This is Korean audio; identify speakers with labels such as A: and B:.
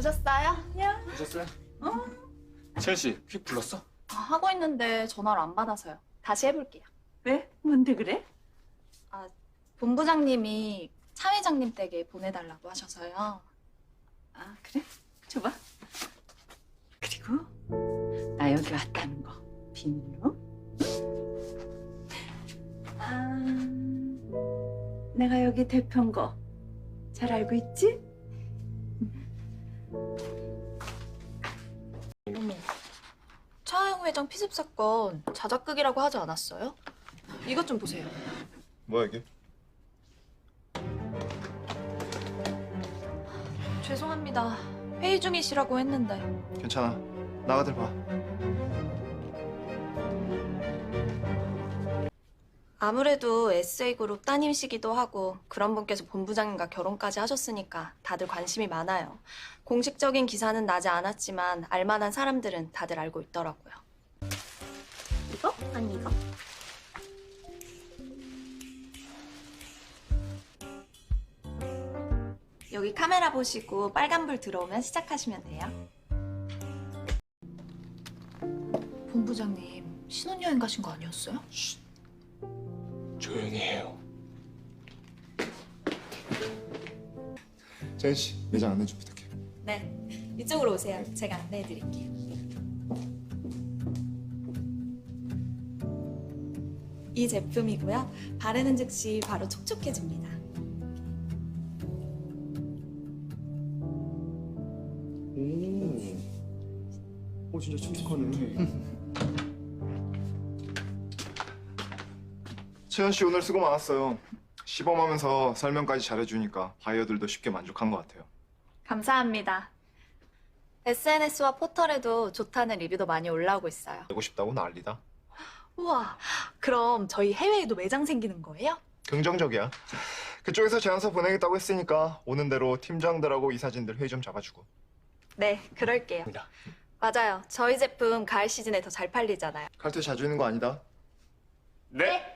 A: 오셨어요? 안녕.
B: 오셨어요? 채연 씨, 퀵 불렀어?
A: 하고 있는데 전화를 안 받아서요. 다시 해볼게요.
C: 왜? 뭔데 그래?
A: 본부장님이 차 회장님 댁에 보내달라고 하셔서요.
C: 아, 그래? 줘봐. 그리고 나 여기 왔다는 거 비밀로. 내가 여기 대표인 거 잘 알고 있지?
A: 어머, 차영 회장 피습 사건 자작극이라고 하지 않았어요? 이것 좀 보세요.
D: 뭐야 이게?
A: 죄송합니다. 회의 중이시라고 했는데.
D: 괜찮아. 나가들 봐.
A: 아무래도 SA그룹 따님이시기도 하고 그런 분께서 본부장님과 결혼까지 하셨으니까 다들 관심이 많아요. 공식적인 기사는 나지 않았지만 알만한 사람들은 다들 알고 있더라고요. 이거? 아니 이거? 여기 카메라 보시고 빨간불 들어오면 시작하시면 돼요. 본부장님 신혼여행 가신 거 아니었어요?
B: 조용히 해요.
D: 재현 씨, 매장 안내 좀 부탁해.
A: 네, 이쪽으로 오세요. 제가 안내해드릴게요. 이 제품이고요. 바르는 즉시 바로 촉촉해집니다.
D: 오, 진짜 촉촉하네. 채연 씨 오늘 수고 많았어요. 시범하면서 설명까지 잘해주니까 바이어들도 쉽게 만족한 것 같아요.
A: 감사합니다. SNS와 포털에도 좋다는 리뷰도 많이 올라오고 있어요.
D: 되고 싶다고 난리다.
A: 우와, 그럼 저희 해외에도 매장 생기는 거예요?
D: 긍정적이야. 그쪽에서 제안서 보내겠다고 했으니까 오는 대로 팀장들하고 이사진들 회의 좀 잡아주고.
A: 네, 그럴게요. 맞아요. 저희 제품 가을 시즌에 더 잘 팔리잖아요.
D: 칼퇴 자주 있는 거 아니다.
B: 네.